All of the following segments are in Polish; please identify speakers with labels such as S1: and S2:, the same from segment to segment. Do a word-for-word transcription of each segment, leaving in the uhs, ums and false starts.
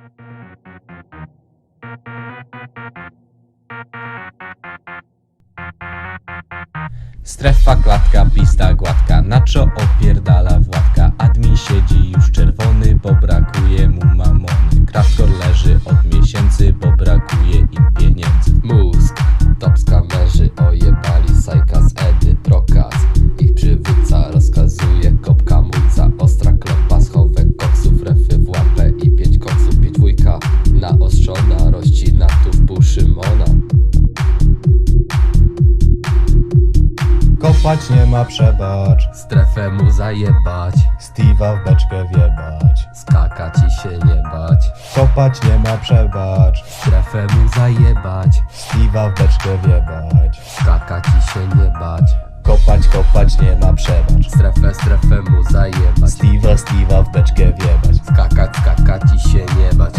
S1: Strefa, klatka, pista gładka, Nacho opierdala Władka. Admin siedzi już czerwony, bo brakuje mu mamony. Kraftkor leży od miesięcy, bo brakuje im pieniędzy.
S2: Mózg, top skamerzy ojebali Sajka z Edy, prokaz. Ich przywódca rozkazuje, kopka mulca, ostra klopa, schowek koksów, refy w łapę i pięć koksów, pięć dwójka naostrzona, rościna tu w pół Szymona.
S3: Kopać nie ma przebacz,
S2: Strefę mu zajebać,
S3: Steve'a w beczkę wiebać.
S2: skakać i się nie bać.
S3: Kopać nie ma przebacz,
S2: Strefę mu zajebać,
S3: Steve'a w beczkę wiebać.
S2: skakać i się nie bać.
S3: Kopać, kopać nie ma przebacz,
S2: Strefę, strefę mu zajebać,
S3: Steve'a, Steve'a w beczkę wiebać.
S2: skakać, skakać i się nie bać.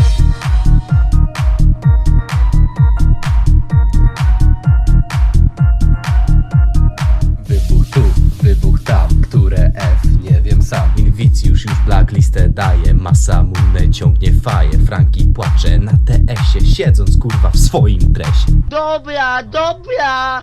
S2: Wybuch tu, wybuch tam, które F, nie wiem sam.
S1: Inwicjusz już blacklistę daje, masa munę ciągnie faję. Franki płacze na T S-ie, siedząc kurwa w swoim dresie.
S4: Dobra, dobra!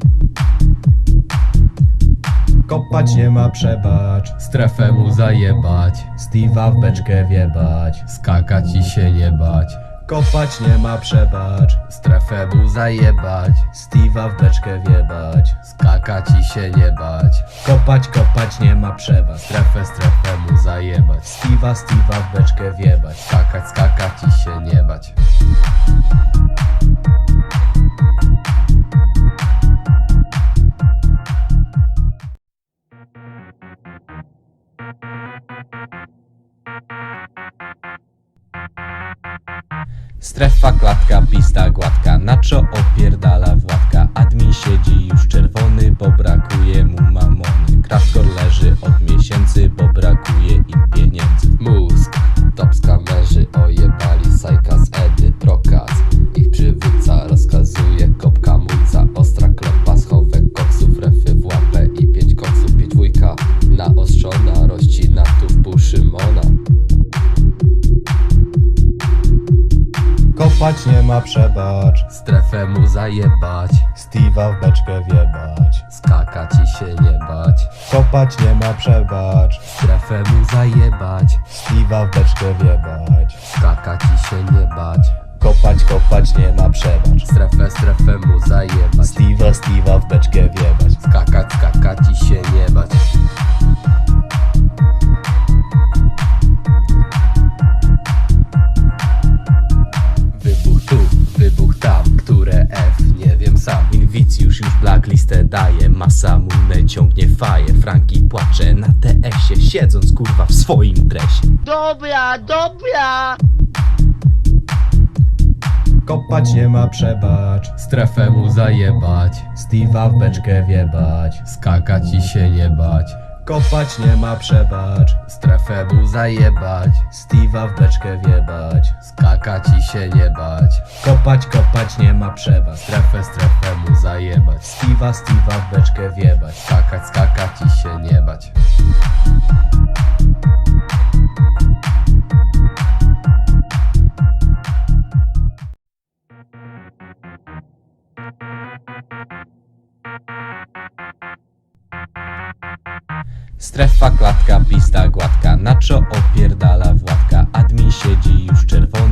S3: Kopać nie ma przebacz,
S2: Strefę mu zajebać,
S3: Steve'a w beczkę wiebać.
S2: skakać i się nie bać.
S3: Kopać nie ma przebacz,
S2: Strefę mu zajebać,
S3: Steve'a w beczkę wiebać.
S2: skakać i się nie bać.
S3: Kopać, kopać nie ma przebacz,
S2: Strefę, strefę mu zajebać,
S3: Steve'a, Steve'a w beczkę wiebać.
S2: skakać, skakać i się nie bać.
S1: Strefa, klatka, pista gładka, Nacho opierdala Władka. Admin siedzi już czerwony, bo brakuje mu mamony. Kraftkor leży od miesięcy, bo brakuje im pieniędzy.
S2: Mózg, top skamerzy ojebali Sajka z Edy, prokaz. Ich przywódca rozkazuje, kopka mulca, ostra klopa, schowek koksów, refy w łapę i pięć koksów, pięć dwójka naostrzona, rościna tu w pół Szymona.
S3: Kopać nie ma przebacz,
S2: Strefę mu zajebać,
S3: Steve'a w beczkę wiebać.
S2: skakać i się nie bać.
S3: Kopać nie ma przebacz,
S2: Strefę mu zajebać,
S3: Steve'a w beczkę wiebać.
S2: skakać i się nie bać.
S3: Kopać, kopać nie ma przebacz,
S2: Strefę, strefę mu zajebać,
S3: Steve'a, Steve'a w beczkę wiebać.
S2: skakać, skakać i się nie bać. Wybuch tu, wybuch tam, które F, nie wiem sam.
S1: Inwicjusz już blacklistę daje, masa munę ciągnie faję. Franki płacze na T S-ie, siedząc kurwa w swoim dresie.
S4: Dobra, dobra!
S3: Kopać nie ma przebacz,
S2: Strefę mu zajebać,
S3: Steve'a w beczkę wiebać.
S2: skakać i się nie bać.
S3: Kopać nie ma przebacz,
S2: Strefę mu zajebać,
S3: Steve'a w beczkę wiebać.
S2: skakać i się nie bać.
S3: Kopać, kopać nie ma przebacz,
S2: Strefę, strefę mu zajebać,
S3: Steve'a, Steve'a w beczkę wiebać.
S2: skakać, skakać i się nie bać.
S1: Strefa, klatka, pista gładka, Nacho opierdala Władka. Admin siedzi już czerwony.